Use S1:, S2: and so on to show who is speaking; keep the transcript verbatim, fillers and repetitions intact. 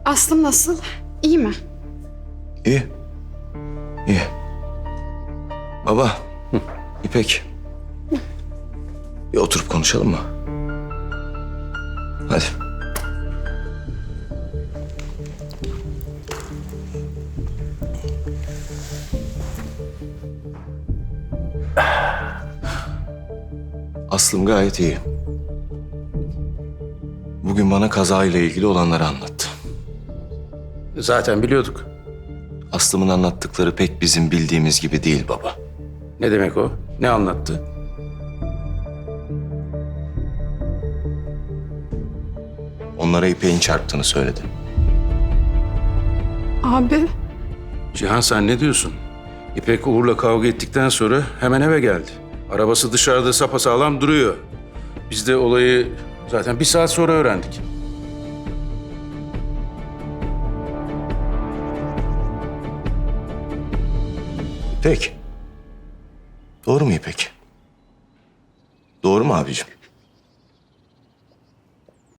S1: Aslım nasıl? İyi mi?
S2: İyi. İyi. Baba, İpek. Bir oturup konuşalım mı? Hadi. Aslım gayet iyi. Bugün bana kazayla ilgili olanları anlattı.
S3: Zaten biliyorduk.
S2: Aslım'ın anlattıkları pek bizim bildiğimiz gibi değil baba.
S3: Ne demek o? Ne anlattı?
S2: Onlara İpek'in çarptığını söyledi.
S1: Abi,
S3: Cihan sen ne diyorsun? İpek Uğur'la kavga ettikten sonra hemen eve geldi. Arabası dışarıda sapasağlam duruyor. Biz de olayı zaten bir saat sonra öğrendik.
S2: İpek. Doğru mu İpek? Doğru mu abicim?